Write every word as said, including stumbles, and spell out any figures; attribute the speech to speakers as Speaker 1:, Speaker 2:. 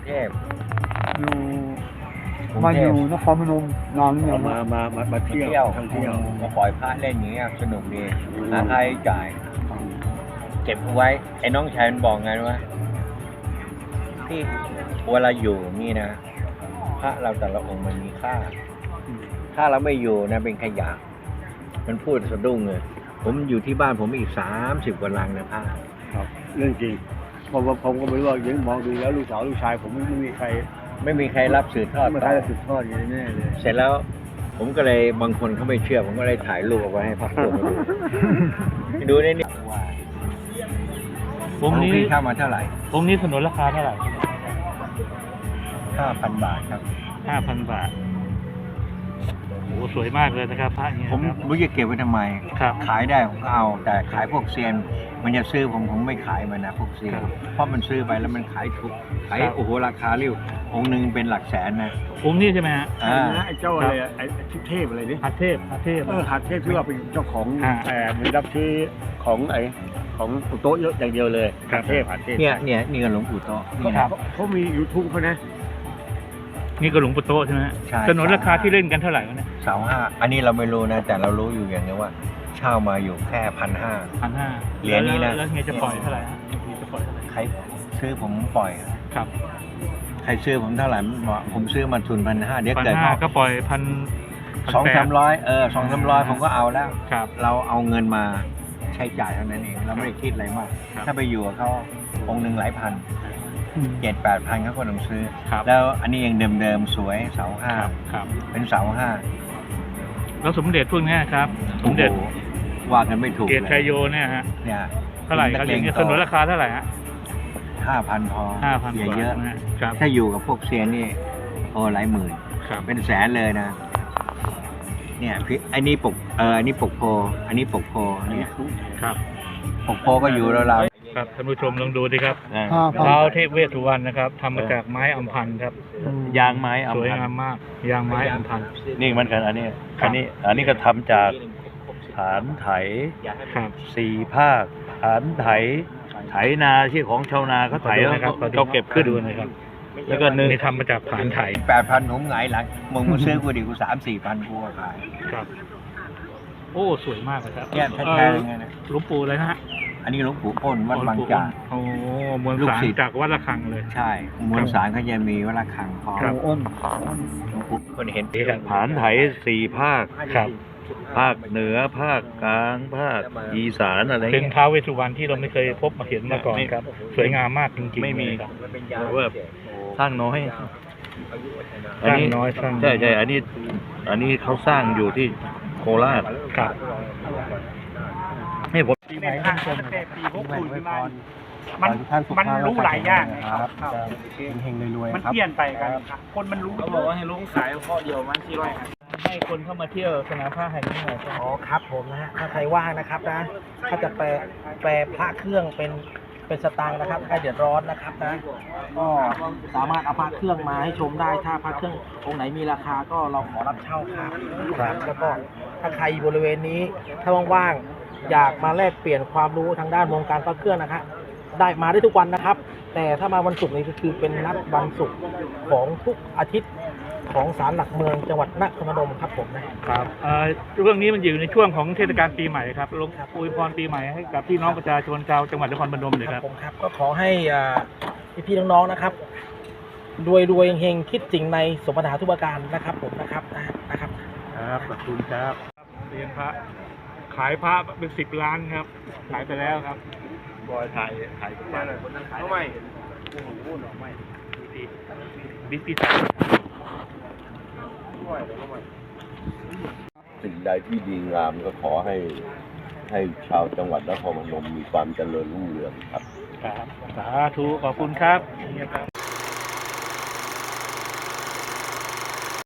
Speaker 1: เทพ
Speaker 2: อยู่มาอยู่นครพนมนานหรือยัง
Speaker 3: มามามามาเที่
Speaker 1: เที่
Speaker 3: ย
Speaker 1: ยว ว
Speaker 3: ท่องเที่ยว
Speaker 1: มาปล่อยพระเล่นอย่างเงี้ยสนุกดีหาใครจ่าย เก็บเอาไว้ไอ้น้องชายมันบอกไงว่าที่เวลาอยู่นี่นะพระเราแต่ละองค์มันมีค่า ถ้าเราไม่อยู่นะเป็นขยะมันพูดสะดุ้งเลยผมอยู่ที่บ้านผมอีกสามสิบกว่าลังนะพระ
Speaker 3: ครับเรื่องจริงเพราะว่าผมก็ไม่รู้ว่ายังมองดูแล้วลูกสาวลูกชายผมไม่มีใคร
Speaker 1: ไม่มีใครรับสืบทอด
Speaker 3: ไม่มีใครจะสืบทอดอย่างนี้แน่เลย
Speaker 1: เสร็จแล้วผมก็เลยบางคนเขาไม่เชื่อผมก็เลยถ่ายรูปเอาไว้ให้พักพวกมาดูดูได้นี่ว่า
Speaker 4: องค์นี้
Speaker 1: พี่เข้ามาเท่าไหร่
Speaker 4: องค์นี้สนุนราคาเท่าไหร่
Speaker 1: ห้าพันบาทครับ
Speaker 4: ห้าพันบาทโอ้โหสวยมากเลยนะครับพระเนี่ย
Speaker 1: ผม
Speaker 4: ครับ
Speaker 1: ไม่รู้จะเก็บไว้ทำไม
Speaker 4: ครับ
Speaker 1: ขายได้ผมก็เอา แต่ขายพวกเซียน มันจะซื้อผมผมไม่ขายมันนะพวกเซียน
Speaker 4: ครับ
Speaker 1: เพราะมันซื้อไปแล้วมันขายถูกขาย
Speaker 4: ครับ
Speaker 1: โอ้โหราคาเรียวองค์หนึ่งเป็นหลักแสนนะ
Speaker 4: องค์นี้ใช่ไหมฮะ
Speaker 1: อ่า
Speaker 3: ไอ้เจ้าอะไรอะไอ้ทิพเทพอะไรนี่
Speaker 4: หัดเทพหัดเทพ
Speaker 3: เออหัดเทพที่ว่าเป็นเจ้าของ
Speaker 4: อ่า
Speaker 3: เออมีรับซื้อของไอ้ของโต๊ะเยอะอย่างเดียวเลย
Speaker 4: ครั
Speaker 3: หั
Speaker 4: บ
Speaker 3: ดเทพหัดเทพ
Speaker 1: เนี่ยเนี่ยนี่ก็หลวงปู่โตะนี่
Speaker 3: ครั
Speaker 1: นะ
Speaker 3: บเขามียูทูบเขานะ
Speaker 4: นี่ก็หลวงปู่โตใช่ไหมฮะ
Speaker 1: ใช่
Speaker 4: สนุนราคาที่เล่นกันเท่าไหร่วะเนี่ย
Speaker 1: เสาห้าอันนี้เราไม่รู้นะ แต่เรารู้อยู่อย่างนี้ว่า เช่ามาอยู่แค่พันห้า
Speaker 4: พันห้า
Speaker 1: เหรียญนี้นะ
Speaker 4: แล้วเฮียจะปล่อยเท่าไหร่ฮะเฮียจะปล่อยเท่าไหร่
Speaker 1: ใครซื้อผมปล่อย
Speaker 4: ครับ
Speaker 1: ใครซื้อผมเท่าไหร่ผมซื้อมาทุนพันห้าเดี๋ยว
Speaker 4: พัน
Speaker 1: เกิด
Speaker 4: ห้าก็ปล่อยพัน
Speaker 1: สองสามร้อยเออสองสามร้อยผมก็เอาแล้ว
Speaker 4: ครับ
Speaker 1: เราเอาเงินมาใช้จ่ายเท่านั้นเองเราไม่ได้คิดอะไรมาก
Speaker 4: ครับ
Speaker 1: ถ้าไปอยู่กับเขาองค์หนึ่งหลายพันเจ็ดแปดพันเขาก็ต้องซื้อ
Speaker 4: ครับ
Speaker 1: แล้วอันนี้ยังเดิมๆสวยเสาห้า
Speaker 4: ครับครับ
Speaker 1: เป็นเสาห้า
Speaker 4: แล้วสมเด็จพวกเนี้ยครับสมเด็จ
Speaker 1: โอ้โหว่ากันไม่ถูก
Speaker 4: เกต
Speaker 1: เล
Speaker 4: ชัย
Speaker 1: ย
Speaker 4: โยเนี่ยฮะ
Speaker 1: เนี่ย
Speaker 4: เท่าไหร่ครับอย่างเงี้ยสนุนราคาเท่าไหร่ฮะ
Speaker 1: ห้าพันพอ
Speaker 4: ห้าพัน
Speaker 1: อย่าเยอะ
Speaker 4: นะฮะครับ
Speaker 1: ถ้าอยู่กับพวกเซียนนี่โอ้หลายหมื่น
Speaker 4: ครับ
Speaker 1: เป็นแสนเลยนะ เนี่ยพี่อันนี้ปกเอออันนี้ปกโพอันนี้ปกโพเนี่ย
Speaker 4: ครับ
Speaker 1: ปกโพก็อยู่แล้วเรา
Speaker 4: ครับท่านผู้ชมลองดูดิครับ
Speaker 2: ห้าพัน
Speaker 4: เท้าเทพเวสสุวรรณนะครับทำมาจากไม้อัมพันธ์ครับ
Speaker 1: ยางไม้
Speaker 4: สวยงามมากยางไม้อัมพันธ์
Speaker 3: นี่มันกันอันนี้
Speaker 4: ครับ
Speaker 3: อันนี้อันนี้ก็ทำจากฐานไถ
Speaker 4: ครับ
Speaker 3: สี่ภาคฐานไถไถนาที่ของชาวนาเขาไถ
Speaker 4: ขอดู
Speaker 3: แล้ว
Speaker 4: นะครับ
Speaker 3: เขาเขาเก็บขึ้น
Speaker 4: ดูนะครับ
Speaker 3: แล้วก็เนื้อ
Speaker 4: นี่ทำมาจากผานไถ
Speaker 1: แปดพันผมหงายหลังมึงมาซื้อกูดิกูสามสี่พันกูก็ขาย
Speaker 4: ครับ โอ้สวยมากเลยครับ
Speaker 1: เนี่ยแท้ๆเลยไงนะ
Speaker 4: หลวงปู่เลยนะฮะ
Speaker 1: อันนี้หลวงปู่อ้นวัดบางจาก
Speaker 4: โอ้มวล
Speaker 1: ลูก
Speaker 4: สาร
Speaker 1: ศิษย์
Speaker 4: จากวัดระฆังเลย
Speaker 1: ใช่มวลสารเขาจะมีวัดระฆังพอ
Speaker 4: ครับ
Speaker 2: อ้น
Speaker 1: หลวงปู่คนเห็น
Speaker 4: นี่ครับ
Speaker 3: ฐานไถสี่ภาค
Speaker 4: ครับ
Speaker 3: ภาคเหนือภาคกลางภาคอีสานอะไร
Speaker 4: เป็น
Speaker 3: เงี้ย
Speaker 4: ท้าวเวสสุวรรณที่เราไม่เคยพบมาเห็นมาก่อนครับ สวยงามมากจริงๆ
Speaker 3: ไม่มี
Speaker 4: เลยครับ
Speaker 3: เว่าสร้างน้อย
Speaker 4: สร้างน้อยสร้างน้อย
Speaker 3: ใช่ใช่อันนี้ อันนี้เขาสร้างอยู่ที่โคราช
Speaker 4: ครับ
Speaker 3: ให้ผม
Speaker 2: ปีใหม่ท่านผู้ชมปีหกศูนย์มา
Speaker 5: มันมันรู้หลายอย่าง
Speaker 2: ครับเฮงๆรวย
Speaker 5: มัน
Speaker 2: ๆครับ
Speaker 5: เปลี่ยนไปกันครับคนมันรู้เขาบอกว่าให้ลุงขายข้อเดียวมันสี่ร้อยครับ
Speaker 4: ให้คนเข้ามาเที่ยวสนามผ้าแห่งนี้หน่อยครับ
Speaker 6: อ๋อครับผมนะฮะถ้าใครว่างนะครับนะถ้าจะแปลแปลพระเครื่องเป็นเป็นสตางค์นะครับใครเดือดร้อนนะครับนะก็สามารถเอาพระเครื่องมาให้ชมได้ถ้าพระเครื่ององค์ไหนมีราคาก็เราขอรับเช่าครับครับแล้วก็ถ้าใครอยู่บริเวณนี้ถ้าว่างๆอยากมาแลกเปลี่ยนความรู้ทางด้านวงการพระเครื่องนะครับได้มาได้ทุกวันนะครับ แต่ถ้ามาวันศุกร์นี้ก็คือเป็นนัดวันศุกร์ของทุกอาทิตย์ของศาลหลักเมืองจังหวัดนครพนมครับผมนะ
Speaker 4: ครับเอ่อเรื่องนี้มันอยู่ในช่วงของเทศกาลปีใหม่ครับลงอวยพรปีใหม่ให้กับพี่น้องประชาชนชาวจังหวัดนครพนมเลย
Speaker 6: ค
Speaker 4: ค
Speaker 6: รั
Speaker 4: รั
Speaker 6: บบ ผมครับก็ขอให้อ่าพี่ๆน้องๆนะครับรวยรวยๆเฮงๆคิดสิ่งในสมปรารถนาทุกประการนะครับผมนะครับนะนะครับ
Speaker 4: ครับขอบคุณครับเรียนพระขายพระเป็นสิบล้านครับขายไปแล้วครับ
Speaker 3: บอยถ่ายถ่าย
Speaker 5: ทำไม
Speaker 4: บิ๊กบิ๊ก
Speaker 7: สิ่งใดที่ดีงามก็ขอให้ให้ชาวจังหวัดนครพนมมีความเจริญรุ่งเรืองครับ
Speaker 4: ครับสาธุขอบคุณครับ